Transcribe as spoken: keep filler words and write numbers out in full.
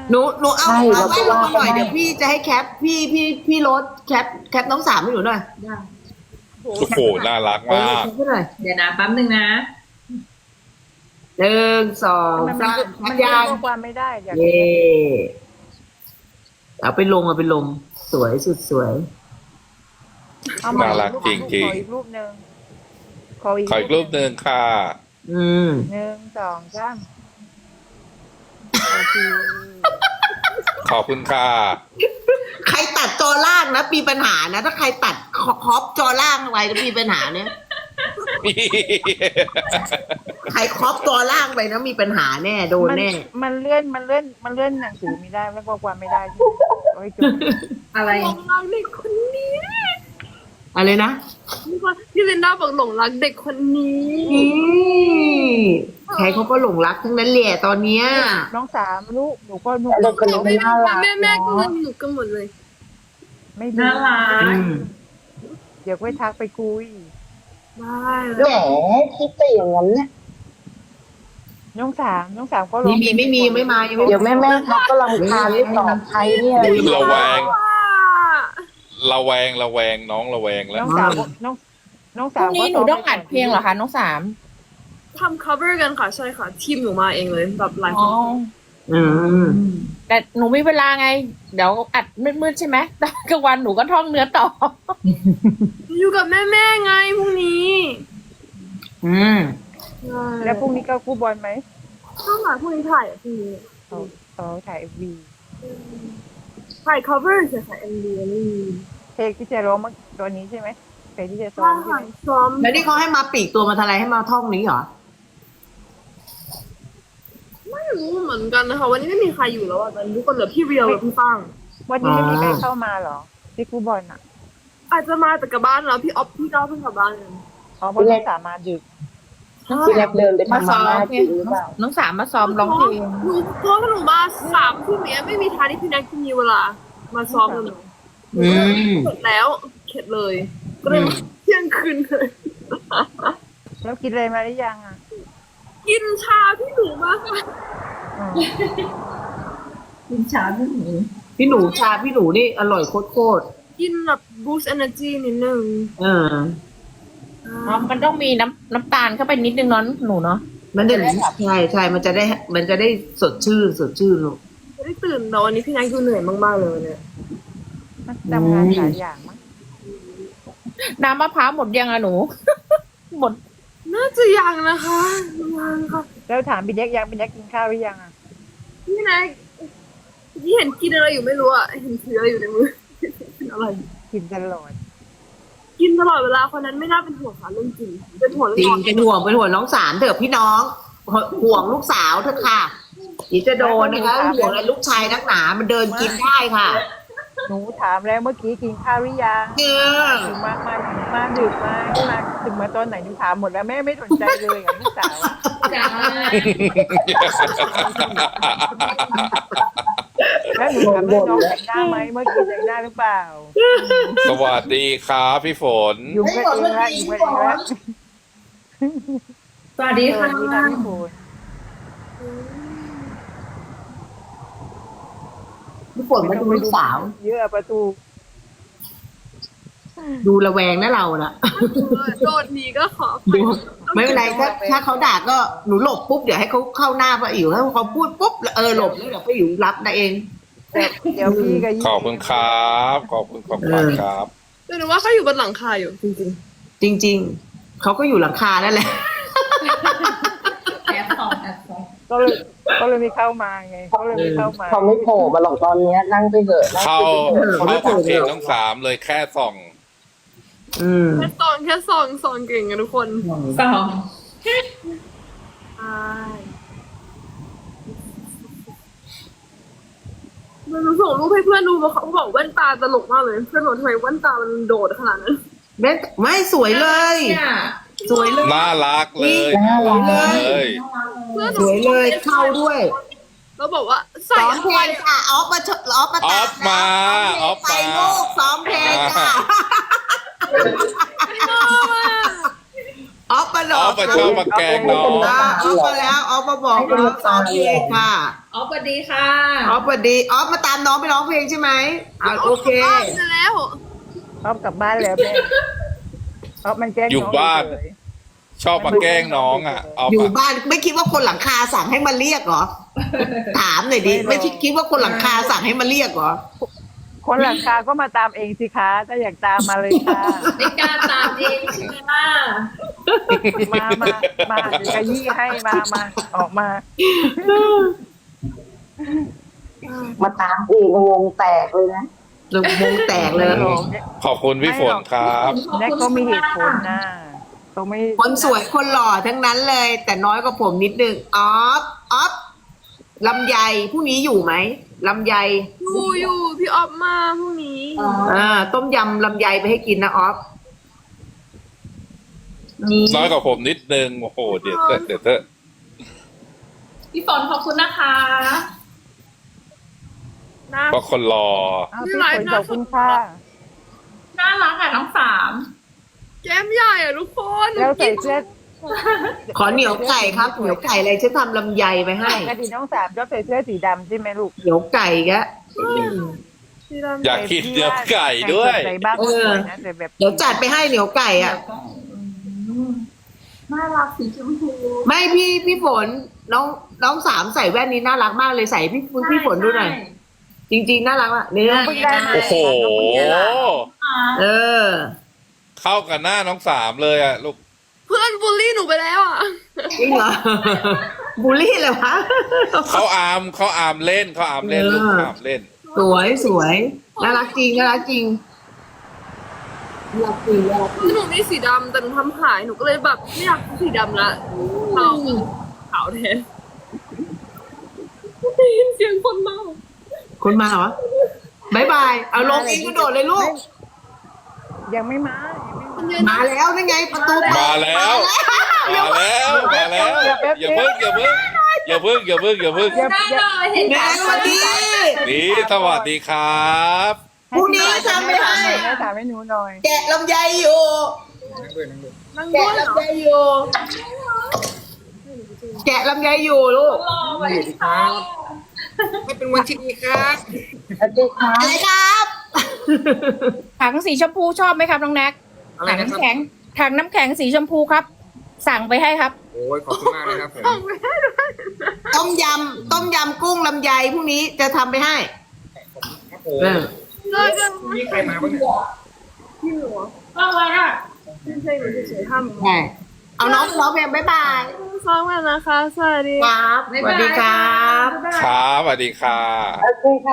หนูหนูเอาใช่เอาเราไว้ก็ลงว่ามาหน่อยได้เดี๋ยวพี่จะให้แคปพี่พี่พี่รถแคปแคปน้องสามให้หนูหน่อยได้โอ้โหน่ารักเออมากแคปให้หน่อยเดี๋ยวนะแป๊บนึงนะหนึ่งสองมันสามมันยางข้อความไม่ได้อยากเย่เอาไปลงเอาไปลงสวยสุดสวยเอามาน่ารักจริงๆขออีกรูปหนึ่งขออีกขออีกรูปหนึ่งค่ะอืมหนึ่งสองสามโอเคขอบคุณค่ะใครตัดจอล่างนะมีปัญหานะ ถ้าใครตัดครอปจอล่างไว้จะมีปัญหาเนี่ยใครครอปจอล่างไปนะมีปัญหาแน่โดนมันแน่มันเลื่อนมันเลื่อนมันเลื่อนหนังสือไม่ได้แล้วข้อความไม่ได้โอ้ยจุดอะไรหลงรักเด็กคนนี้อะไรนะพี่ว่าพี่ลินดาบอกหลงรักเด็กคนนี้นี่ใครเขาก็หลงรักทั้งนั้นแหละตอนเนี้ยน้องสามลูกหนูก็หนูเด็กคนนี้มันน่ารักแม่แม่ก็เนาะหนูกันหมดเลยไม่ดีน่ารักอืมเดี๋ยวไปทักไปคุยได้แหมคิดแต่อย่างนั้นเนี่ยน้องสามน้องสามก็ร้ไม่องมีไม่มีไม่มายังไม่เดี๋ยวแม่แม่ทักก็รำคาญไม่ตอบใครเนี่ยระแวงว่าระแวง ระแวง น้องระแวงแล้วน้องสามน้องน้องพสารุ่มงนี้หนูต้องอัดเพลงเหรอคะน้องสามทำ cover กันค่ะ ใช่ค่ะ ทีมหนูมาเองเลยแบบหลายคอ๋อนอืมแต่หนูมีเวลาไง เดี๋ยวอัดมืดๆใช่ไหมตอนกลางวันหนูก็ท่องเนื้อต่ออยู่กับแม่แม่ๆไงพรุ่งนี้อืมแล้วพรุ่งนี้ก็คู่บอลไหมข้างหลังพรุ่งนี้ถ่ายอ่ะพรุ่งนี้เขาเขาถ่ายเอ็มวีถ่าย cover ใช่ค่ะ เอ็ม วี นี่เพลงที่จะร้องเมื่อตอนนี้ใช่ไหมเพลงที่จะซ้อใช่มใช่ค่ะไหมซ้อมแล้วนี่เขาให้มาปลีกตัวมาทลายให้มาท่องนี้เหรอไม่รู้เหมือนกันนะคะ วันนี้ไม่มีใครอยู่แล้วอ่ะตอนนี้ทุกคนเหลือพี่เรียวกับพี่ฟังวันนี้ไม่มีใครเข้ามาเหรอที่คู่บอลอ่ะอาจจะมาแต่กลับบ้านแล้วพี่ออฟพี่ก้าวเพิ่งกลับบ้านกันอ๋อเพราะน้องสามมาดึกพี่แรกเดินไปมาทำซ้มาอมม่าเพลจริงงหรือเปล่าน้องสามมาซ้อมร้องเพลงหนูเพราะว่าหนูมาสามทุ่มเนี้ยไม่มีทางที่พี่แน็กจะมีเวลา มาซ้อมกับหนูอืมเสร็จแล้วเข็ดเลย ก็เลยมาเที่ยงคืนเลยแล้วกินอะไรมาหรือยังอ่ะกินชาพี่หนูมากค่ะอ๋อกินชาพี่หนูพี่หนูชาพี่หนูนี่อร่อยโคตรกินแบบ boost energy นิดนึงๆเอออ๋อมันต้องมีน้ำน้ำตาลเข้าไปนิดนึงเนาะหนูเนาะมันจะใช่ใช่มันจะได้ มันจะได้สดชื่นสดชื่นลูกไม่ได้ตื่นแต่วันนี้พี่แน็กดูเหนื่อยมากๆเลยเนี่ยทำงานหลายอย่างมั้งน้ำมะพร้าวหมดยังอะหนู หมดน่าจะยังนะคะยังค่ะแล้วถามพี่แดกยังพี่แดกกินข้าวหรือยังอ่ะพี่แน็กที่เห็นกินอะไรอยู่ไม่รู้อะเห็นถืออะไรอยู่ในมือ กินอะไรกินตลอดกินตลอดเวลาคนนั้นไม่น่าเป็นห่วงค่ะเรื่องจริงเป็นห่วงเรื่จริอง งเป็นห่วงเป็นห่วงน้องสามเถอะพี่น้องห่วงลูกสาวเถอะค่ะเดี๋ยวจะโดนนะคะห่วงอะไรลูกชายนักหนามันเดินกินได้ค่ะหนูถามแล้วเมื่อกี้กินข้าวหรือยังเออถึงมามามาดึกมามาถึงมาตอนไหนหนูถามหมดแล้วแม่ไม่สนใจเลยกับลูกสาวอะจ้าแล้วหนูถามว่าน้องแต่งหน้าไหมเมื่อกี้แต่งหน้าหรือเปล่าสวัสดีครับพี่ฝนยุ่งกันเองละยุ่งกันเองละสวัสดีสวัค่ะสดีค่ะพี่โฟนพี่ฝนมาดูลูกสาวเยอะประตูดูระแวงนะเราน่ะโดดหนีก็ขอดูไม่เป็นไรถ้าถ้าเขาด่าก็หนูหลบปุ๊บเดี๋ยวให้เขาเข้าหน้าป้าอิ๋วให้เขาพูดปุ๊บเออหลบแล้วเดี๋ยวป้าอิ๋วรับได้เองเดี๋ยวพี่กับยี่ขอบคุณครับ ขอบคุณขอบคุณครับแต่หนูว่าเขาอยู่บนหลังคาอยู่จริงจริง ๆเขาก็อยู่หลังคานั่นแหละแอบสองแอบสองก็เลยก็เลยไม่เข้ามาไงก็เลยไม่เข้ามาเขาไม่โผล่มาหรอกตอนเนี้ยนั่งไปเถอะนั่งเข้าไปเถอะเข้าฟังเพลงน้องสามเลยแค่ส่องอืมๆแค่ซองแค่ซองซองเก่งกันทุกคนสองใช่หนูส่งรูปให้เพื่อนดูเขาบอกแว่นตาตลกมากเลยเพื่อนบอกทำไมแว่นตามันโดดขนาดนั้นแม่ไม่สวยเลยเนี่ยสวยเลยน่ารักเลยน่ารักเลยเพื่อนหสนูวยเลยเข้าด้วยแล้วบอกว่าใส่ซ้อมเพลอะไรงค่ะออฟมาเถอะออฟมาออฟมาออฟไปมาลูกซ้อมเพลงค่ะชอบอะออฟมาหลอ๋ออก มาชอบมาแกล้งน้องอ่าออฟมาแล้วออฟมาบอกน้องซ้อมเพลงค่ะอ๋อสวัสดีค่ะออฟสวัสดีออฟมาตามน้องไปร้องเพลงใช่ไหมอ่าโอเคบ้านไปแล้วออฟกลับบ้านแล้วแม่ออฟมันแกล้งอยู่น้งบ้านเฉยชอบมาแกล้งน้องอ่ะเอาอยู่ปะบ้านไม่คิดว่าคนหลังคาสั่งให้มาเรียกเหรอ ถามหน่อยดิไม่คิดว่าคนหลังคาสั่งให้มาเรียกเหรอคนหลังคาก็มาตามเองสิคะถ้าอยากตามมาเลยค่ะไม่กล้าตามเองใช่ไหมล่ะมามามาเดี๋ยวจะยี่ให้มามาออกมามาตามอีกวงแตกเลยนะลงวงแตกเลยขอบคุณพี่ฝนครับแน็กก็มีเหตุผลนะต้องไม่คนสวยคนหล่อทั้งนั้นเลย แต่น้อยกว่าผมนิดนึงออฟออฟลำไยพรุ่งนี้อยู่ไหมลำไยอยู่อยู่พี่ออฟมาพรุ่งนี้อ่าต้มยำลำไยไปให้กินนะออฟน้อยกว่าผมนิดนึงโอ้โหเดี๋ยวเถอะเดี๋ยวเถอะพี่ฝนขอบคุณนะคะนะเพราะคนรออ้าวพี่ฝนขอบคุณค่ะน่ารักอ่ะน้องสามแก้มใหญ่อะทุกคนแล้วใส่เสื้อขอเหนียวไก่ครับเหนียวไก่อะไรฉันทำลำไยไปให้ปกติน้องสามชอบใส่เสื้อสีดำใช่ไหมลูกเหนียวไก่กะสีดำอยากกินเนื้อไก่ด้วยใส่บ้างก็สวยนะแต่แบบเดี๋ยวจัดไปให้เหนียวไก่อ่ะน่ารักสีชมพูไม่พี่พี่ฝนน้องน้องสามใส่แว่นนี้น่ารักมากเลยใส่พี่พี่ฝนดูหน่อยจริง ๆน่ารักอ่ะเนี่ยเพิ่งได้มาโอ้โหเออเข้ากับหน้าน้องสามเลยอ่ะลูกเพื่อนบูลลี่หนูไปแล้วอ่ะจริงเหรอ บูลลี่เลยวะเขาอามเขาอามเล่นเขาอามเล่นลูกเออเขาอามเล่นสวยสวยน่ารักจริงน่ารักจริงน่ารักจริงน่ารักจริงหนูมีสีดำแต่หนูทำหายหนูก็เลยแบบไม่อยากสีดำละเอาขาวแทนได้ยินเสียงคนเมาคนมาเหรอบายบายเอาลงเองกระโดดเลยลูกยังไม่มายังไม่มามาแล้วนี่ไงประตูเปิดมาแล้ว มาแล้วมาแล้วอย่าเพิ่งอย่าเพิ่งอย่าเพิ่งอย่าเพิ่งอย่าเพิ่งอย่าได้อย่าเลยเห็นแม่สวัสดีนี่สวัสดีครับพรุ่งนี้ทำไม่ให้แม่ถามให้หนูหน่อยแกะลำไยอยู่นั่งด้แกะวยเหรอลำไยอยู่ แกะลำไยอยู่ลูกรอไว้ค่ะให้เป็นวันที่ดีครับสวัสดีค่ะอะไรครับถังสีชมพูชอบไหมครับน้องแน็กอะไรถังนะครับน้ำแข็งถังน้ำแข็งสีชมพูครับ สั่งไปให้ครับโอ้ยขอบคุณมากเลยครับผมต้มยำต้มยำกุ้งลำไยพรุ่งนี้จะทำไปให้ครับผมเออเลิกกันนี่ใครมาบ้างเนี่ยพี่หนูอะไรอ่ะไม่ใช่หนูเฉยๆทำใช่เอาน้องร้องเพลงบ๊ายบายซ้อมกันนะคะ สวัสดีครับสวัสดีครับครับสวัสดีค่ะโอเคค่ะ